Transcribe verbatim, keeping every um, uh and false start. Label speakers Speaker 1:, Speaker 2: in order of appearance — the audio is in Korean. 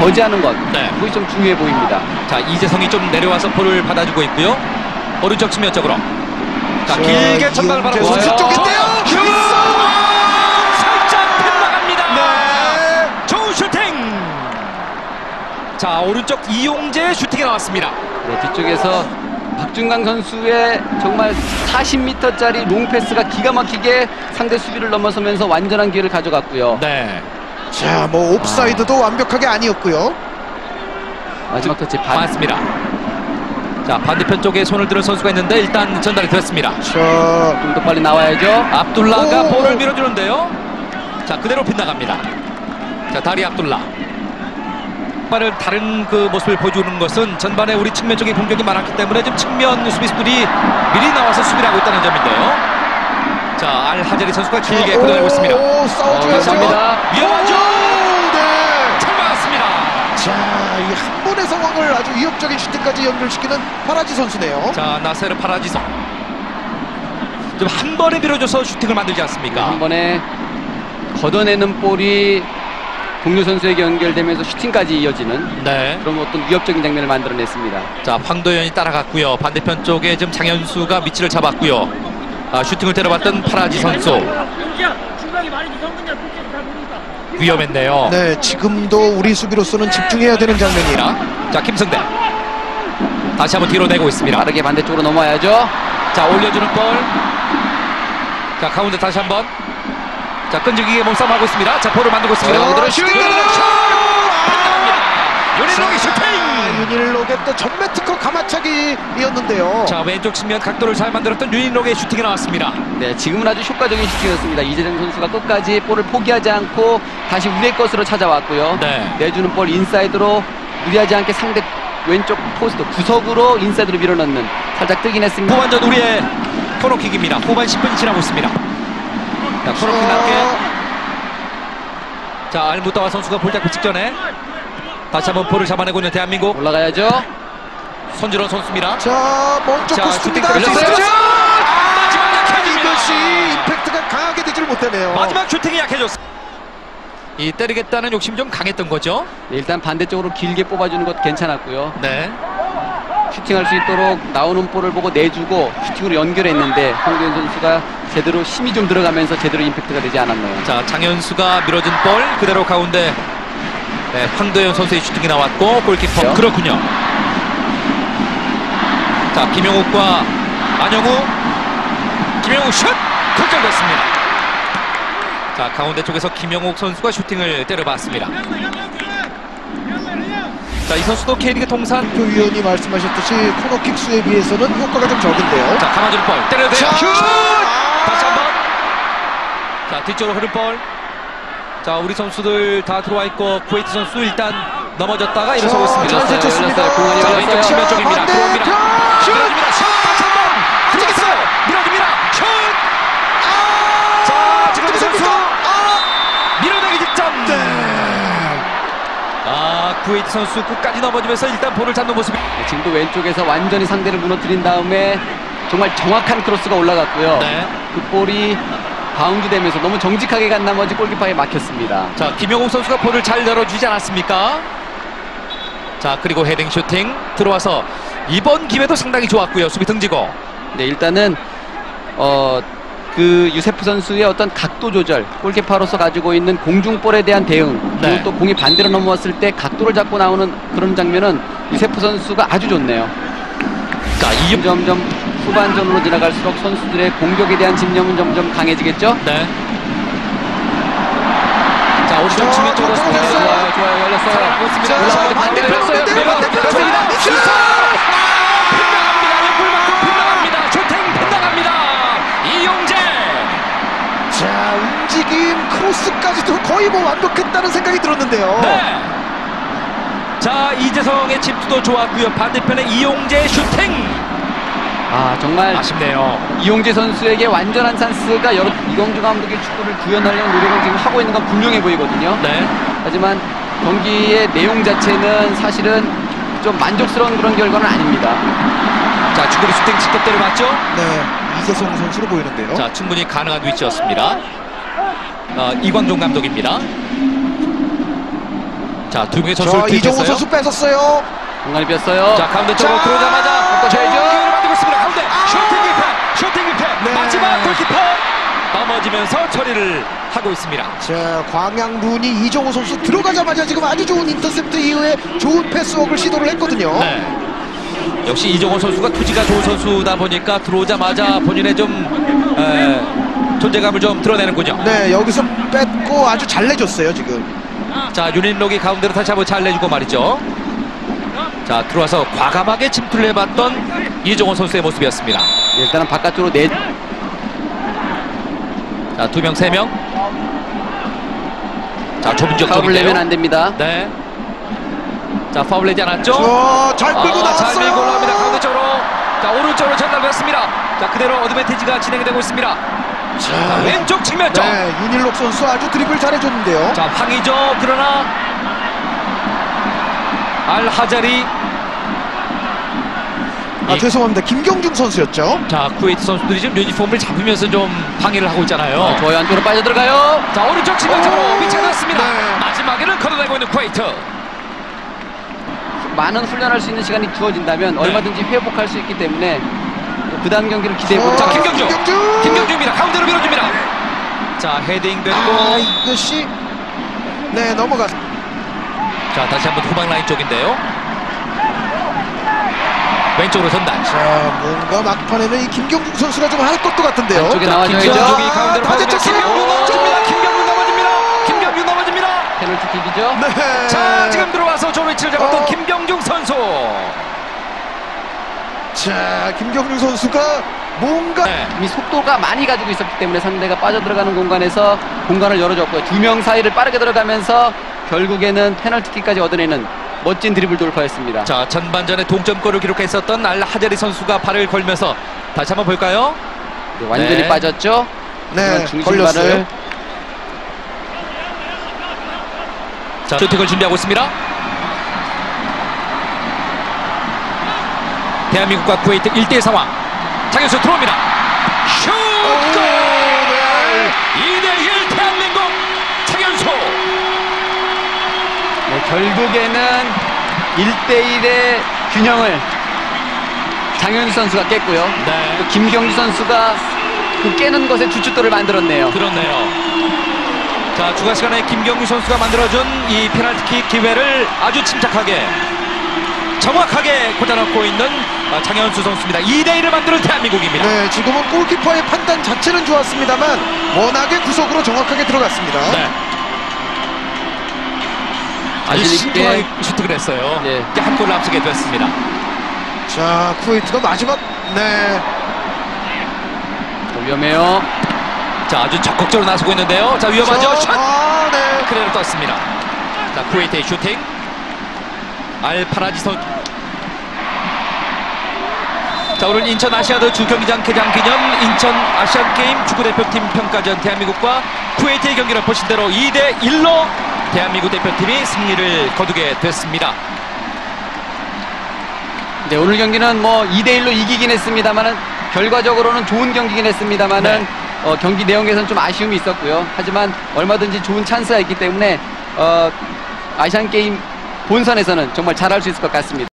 Speaker 1: 저지하는 것,
Speaker 2: 네.
Speaker 1: 그것이 좀 중요해 보입니다.
Speaker 2: 자, 이재성이 좀 내려와서 볼을 받아주고 있고요. 오른쪽 측면 쪽으로. 자,
Speaker 3: 자,
Speaker 2: 길게 전방을
Speaker 3: 이용재
Speaker 2: 바라보고
Speaker 3: 선수 쪽인데요.
Speaker 2: 슛! 살짝 빗나갑니다.
Speaker 3: 네.
Speaker 2: 좋은 슈팅. 자, 오른쪽 이용재 슈팅이 나왔습니다.
Speaker 1: 네, 뒤쪽에서 박준강 선수의 정말 사십 미터짜리 롱패스가 기가 막히게 상대 수비를 넘어서면서 완전한 기회를 가져갔고요.
Speaker 2: 네.
Speaker 3: 자, 뭐 옵사이드도
Speaker 1: 아.
Speaker 3: 완벽하게 아니었고요.
Speaker 1: 마지막 터치 반.
Speaker 2: 맞습니다. 자, 반대편 쪽에 손을 들은 선수가 있는데 일단 전달이 됐습니다.
Speaker 3: 자,
Speaker 1: 좀 더 빨리 나와야죠.
Speaker 2: 압둘라가
Speaker 3: 오.
Speaker 2: 볼을 밀어주는데요. 자, 그대로 빗나갑니다. 자, 다리 압둘라. 전반을 다른 그 모습을 보여주는 것은 전반에 우리 측면 쪽에 공격이 많았기 때문에 지금 측면 수비수들이 미리 나와서 수비를 하고 있다는 점인데요. 자, 알하제리 선수가 길게
Speaker 3: 오,
Speaker 2: 끌어내고 있습니다.
Speaker 3: 오, 싸워줘야죠.
Speaker 1: 감사합니다.
Speaker 2: 위험하죠?
Speaker 3: 오, 네.
Speaker 2: 잘 막았습니다.
Speaker 3: 자, 이 한 번의 상황을 아주 위협적인 슈팅까지 연결시키는 파라지 선수네요.
Speaker 2: 자, 나세르 파라지성. 좀 한 번에 밀어줘서 슈팅을 만들지 않습니까?
Speaker 1: 한 번에 걷어내는 볼이 동료 선수에게 연결되면서 슈팅까지 이어지는
Speaker 2: 네.
Speaker 1: 그런 어떤 위협적인 장면을 만들어냈습니다.
Speaker 2: 자, 황도현이 따라갔고요. 반대편 쪽에 지금 장현수가 위치를 잡았고요. 아, 슈팅을 때려봤던 파라지 선수. 위험했네요.
Speaker 3: 네, 지금도 우리 수비로서는 집중해야 되는 장면이라.
Speaker 2: 자, 김승대. 다시 한번 뒤로 내고 있습니다.
Speaker 1: 빠르게 반대쪽으로 넘어야죠.
Speaker 2: 자, 올려주는 볼. 자, 가운데 다시 한번. 자, 끈질기게 몸싸움하고 있습니다. 자, 볼을 만들고 있습니다.
Speaker 3: 어,
Speaker 2: 그대로
Speaker 3: 슛!
Speaker 2: 슛! 윤일록의 슈팅!
Speaker 3: 윤일록의 또 전매 특허 가마차기이었는데요.
Speaker 2: 자, 왼쪽 측면 각도를 잘 만들었던 윤일록의 슈팅이 나왔습니다.
Speaker 1: 네, 지금은 아주 효과적인 슈팅이었습니다. 이재정 선수가 끝까지 볼을 포기하지 않고 다시 우리의 것으로 찾아왔고요.
Speaker 2: 네.
Speaker 1: 내주는 볼 인사이드로 무리하지 않게 상대 왼쪽 포스트 구석으로 인사이드로 밀어넣는 살짝 뜨긴 했습니다.
Speaker 2: 후반전 우리의 코너킥입니다. 후반 십 분이 지나고 있습니다. 자, 코너킥 낮게. 자, 알무타와 선수가 볼 잡기 직전에 다시 한번 볼을 잡아내고 있는 대한민국.
Speaker 1: 올라가야죠.
Speaker 2: 손준호 선수입니다.
Speaker 3: 자, 먼저
Speaker 2: 자,
Speaker 3: 코스입니다.
Speaker 2: 슈팅 걸렸어요. 마지막 약해집니다.
Speaker 3: 이것이 임팩트가 강하게 되질 못하네요.
Speaker 2: 마지막 슈팅이 약해졌습니다. 이 때리겠다는 욕심 좀 강했던 거죠.
Speaker 1: 네, 일단 반대쪽으로 길게 뽑아주는 것 괜찮았고요.
Speaker 2: 네.
Speaker 1: 슈팅할 수 있도록 나오는 볼을 보고 내주고 슈팅으로 연결했는데 황도현 선수가 제대로 힘이 좀 들어가면서 제대로 임팩트가 되지 않았네요.
Speaker 2: 자, 장현수가 밀어준 볼 그대로 가운데 네, 황도현 선수의 슈팅이 나왔고 골키퍼
Speaker 1: 그렇죠?
Speaker 2: 그렇군요. 자, 김용욱과 안영우. 김용욱 슛! 결정됐습니다. 자, 가운데 쪽에서 김영욱 선수가 슈팅을 때려봤습니다. 자, 이 선수도 K리그 통산.
Speaker 3: 그 위원이 말씀하셨듯이 코너킥 수에 비해서는 효과가 좀 적은데요.
Speaker 2: 자, 감아주는 볼 때려대요.
Speaker 3: 자,
Speaker 2: 슛!
Speaker 3: 아!
Speaker 2: 다시 한번. 자, 뒤쪽으로 흐른 볼. 자, 우리 선수들 다 들어와 있고 쿠웨이트 선수 일단 넘어졌다가 일어서고 있습니다.
Speaker 3: 잘 제쳤습니다.
Speaker 1: 열렸어요. 공간이
Speaker 2: 자,
Speaker 1: 열렸어요.
Speaker 2: 왼쪽 측면 쪽입니다. 들어옵니다.
Speaker 3: 슛!
Speaker 2: 밀어줍니다. 슛! 다시 한번 들어갔어요. 밀어줍니다. 슛!
Speaker 3: 아!
Speaker 2: 자, 지금 선수
Speaker 3: 아!
Speaker 2: 밀어내기 직전.
Speaker 3: 네.
Speaker 2: 아, 쿠웨이트 선수 끝까지 넘어지면서 일단 볼을 잡는 모습이.
Speaker 1: 네, 지금도 왼쪽에서 완전히 상대를 무너뜨린 다음에 정말 정확한 크로스가 올라갔고요.
Speaker 2: 네.
Speaker 1: 그 볼이 바운드 되면서 너무 정직하게 간 나머지 골키퍼에 막혔습니다.
Speaker 2: 자, 김영욱 선수가 볼을 잘 열어주지 않았습니까? 자, 그리고 헤딩 슈팅 들어와서 이번 기회도 상당히 좋았고요. 수비 등지고.
Speaker 1: 네, 일단은 어, 그 유세프 선수의 어떤 각도 조절, 골키퍼로서 가지고 있는 공중볼에 대한 대응, 그리고
Speaker 2: 네.
Speaker 1: 또 공이 반대로 넘어왔을 때 각도를 잡고 나오는 그런 장면은 유세프 선수가 아주 좋네요.
Speaker 2: 자, 이
Speaker 1: 점점 후반전으로 지나갈수록 선수들의 공격에 대한 집념은 점점 강해지겠죠?
Speaker 2: 네. 자, 오른쪽 측면 쪽으로
Speaker 3: 자,
Speaker 2: 네,
Speaker 3: 됐어요.
Speaker 1: 좋아요, 좋아요, 열렸어요.
Speaker 2: 살아나고 있습니다.
Speaker 3: 자,
Speaker 2: 올라가는데
Speaker 3: 반대로
Speaker 2: 반대로
Speaker 3: 반대로
Speaker 2: 반대로
Speaker 3: 반대로
Speaker 2: 반대로
Speaker 3: 반대로
Speaker 2: 슛! 빗나갑니다. 옆을 맞고 빗나갑니다. 슈팅 빗나갑니다. 이용재.
Speaker 3: 자, 움직임 크로스까지도 거의 뭐 완벽했다는 생각이 들었는데요.
Speaker 2: 네. 자, 이재성의 집도 좋았고요. 반대편에 이용재 슈팅.
Speaker 1: 아, 정말
Speaker 2: 아쉽네요.
Speaker 1: 이용재 선수에게 완전한 찬스가 여러 이광주 감독의 축구를 구현하려는 노력을 지금 하고 있는 건 분명해 보이거든요.
Speaker 2: 네.
Speaker 1: 하지만 경기의 내용 자체는 사실은 좀 만족스러운 그런 결과는 아닙니다.
Speaker 2: 자, 중거리 슈팅 직접 때려맞죠?
Speaker 3: 네, 이재성 선수로 보이는데요.
Speaker 2: 자, 충분히 가능한 위치였습니다. 어, 이광종 감독입니다. 자, 두 명의
Speaker 3: 자,
Speaker 2: 선수를
Speaker 3: 이종호
Speaker 2: 투입했어요.
Speaker 3: 선수 뺏었어요.
Speaker 1: 공간이 비었어요.
Speaker 2: 자, 가운데 쪽으로
Speaker 3: 자,
Speaker 2: 들어오자마자
Speaker 1: 꺾어줘야죠.
Speaker 2: 기회를 만들고 있습니다. 가운데
Speaker 3: 아.
Speaker 2: 슈팅 기회, 슈팅 기회.
Speaker 3: 네.
Speaker 2: 마지막 골키퍼 넘어지면서 처리를 하고 있습니다.
Speaker 3: 자, 광양군이 이종호 선수 들어가자마자 지금 아주 좋은 인터셉트 이후에 좋은 패스워크를 시도를 했거든요.
Speaker 2: 네. 역시 이종호 선수가 투지가 좋은 선수다 보니까 들어오자마자 본인의 좀 에, 존재감을 좀 드러내는군요.
Speaker 3: 네, 여기서 뺏고 아주 잘 내줬어요, 지금.
Speaker 2: 자, 윤인록이 가운데로 다시 한번 잘 내주고 말이죠. 자, 들어와서 과감하게 침투를 해봤던 이종호 선수의 모습이었습니다.
Speaker 1: 일단은 바깥쪽으로 내.
Speaker 2: 자, 두 명, 세 명. 자, 좁은 지역
Speaker 1: 파울을 내면
Speaker 2: 쪽인데요.
Speaker 1: 안 됩니다.
Speaker 2: 네. 자, 파울 내지 않았죠?
Speaker 3: 저, 잘 끌고
Speaker 2: 아,
Speaker 3: 나왔어요.
Speaker 2: 잘 밀고 올라갑니다. 가운데 쪽으로. 자, 오른쪽으로 전달됐습니다. 자, 그대로 어드밴티지가 진행이 되고 있습니다. 자, 왼쪽 측면쪽.
Speaker 3: 네, 윤일록 선수 아주 드리블 잘해줬는데요.
Speaker 2: 자, 황이죠. 그러나 알하자리.
Speaker 3: 아,
Speaker 2: 이-
Speaker 3: 죄송합니다. 김경중 선수였죠.
Speaker 2: 자, 쿠웨이트 선수들이 지금 유니폼을 잡으면서 좀 방해를 하고 있잖아요.
Speaker 1: 어, 좋아요. 안쪽으로 빠져들어가요.
Speaker 2: 자, 오른쪽 측면적으로
Speaker 3: 오,
Speaker 2: 미쳐놨습니다.
Speaker 3: 네.
Speaker 2: 마지막에는 걷어내고 있는 쿠웨이트.
Speaker 1: 많은 훈련할 수 있는 시간이 주어진다면
Speaker 2: 네.
Speaker 1: 얼마든지 회복할 수 있기 때문에 그 다음 경기를 기대해보고.
Speaker 2: 자,
Speaker 3: 어,
Speaker 2: 김경중.
Speaker 3: 김경중.
Speaker 2: 김경주입니다. 가운데로 밀어줍니다. 자, 헤딩 됐고.
Speaker 3: 아, 이것이 네, 넘어가.
Speaker 2: 자, 다시 한번 후방 라인 쪽인데요. 왼쪽으로 전달.
Speaker 3: 자, 뭔가 막판에는 이 김경중 선수가 좀 할 것도 같은데요.
Speaker 1: 안쪽에
Speaker 2: 자,
Speaker 1: 나와줘야죠.
Speaker 2: 김경중이 가운데로
Speaker 3: 반대쪽
Speaker 2: 빠집니다. 김경중 넘어집니다. 김경중 넘어집니다. 김경중 넘어집니다.
Speaker 1: 페널티킥이죠.
Speaker 3: 네.
Speaker 2: 자, 지금 들어와서 조 위치를 잡았던
Speaker 3: 어.
Speaker 2: 김경중 선수.
Speaker 3: 자, 김경중 선수가 뭔가
Speaker 2: 네.
Speaker 1: 이미 속도가 많이 가지고 있었기 때문에 상대가 빠져들어가는 공간에서 공간을 열어줬고요. 두 명 사이를 빠르게 들어가면서 결국에는 페널티킥까지 얻어내는 멋진 드리블 돌파였습니다.
Speaker 2: 자, 전반전에 동점골을 기록했었던 알하자리 선수가 발을 걸면서 다시 한번 볼까요?
Speaker 1: 네, 완전히
Speaker 2: 네.
Speaker 1: 빠졌죠.
Speaker 3: 네,
Speaker 1: 중심발을
Speaker 3: 걸렸어요.
Speaker 2: 자, 슈팅을 준비하고 있습니다. 대한민국과 쿠웨이트 일 대 일 상황. 장현수 들어옵니다. 슛!
Speaker 3: 오,
Speaker 2: 골!
Speaker 3: 네.
Speaker 2: 이 대 일 대한민국 장현수.
Speaker 1: 네, 결국에는 일 대 일의 균형을 장현수 선수가 깼고요.
Speaker 2: 네.
Speaker 1: 또 김경주 선수가 그 깨는 것에 주춧돌을 만들었네요.
Speaker 2: 그렇네요. 자, 추가 시간에 김경규 선수가 만들어준 이 페널티킥 기회를 아주 침착하게 정확하게 꽂아넣고 있는 어, 장현수 선수입니다. 이 대 일을 만드는 대한민국입니다.
Speaker 3: 네, 지금은 골키퍼의 판단 자체는 좋았습니다만 워낙에 구석으로 정확하게 들어갔습니다.
Speaker 2: 네. 아주
Speaker 1: 자신 있게.
Speaker 2: 신중하게 슈팅을 했어요.
Speaker 1: 네.
Speaker 2: 이렇게 한 골을 앞서게 됐습니다.
Speaker 3: 자, 쿠웨이트가 마지막 네.
Speaker 1: 위험해요.
Speaker 2: 자, 아주 적극적으로 나서고 있는데요. 자, 위험하죠.
Speaker 3: 자,
Speaker 2: 샷!
Speaker 3: 아, 네.
Speaker 2: 그대로 떴습니다. 자, 쿠웨이트의 슈팅. 알파라지 선. 자, 오늘 인천 아시아드 주경기장 개장 기념 인천 아시안게임 축구대표팀 평가전 대한민국과 쿠웨이트의 경기를 보신 대로 이 대 일로 대한민국 대표팀이 승리를 거두게 됐습니다.
Speaker 1: 네, 오늘 경기는 뭐 이 대 일로 이기긴 했습니다만은 결과적으로는 좋은 경기긴 했습니다만은
Speaker 2: 네.
Speaker 1: 어, 경기 내용에서는 좀 아쉬움이 있었고요. 하지만 얼마든지 좋은 찬스가 있기 때문에 어, 아시안 게임 본선에서는 정말 잘할 수 있을 것 같습니다.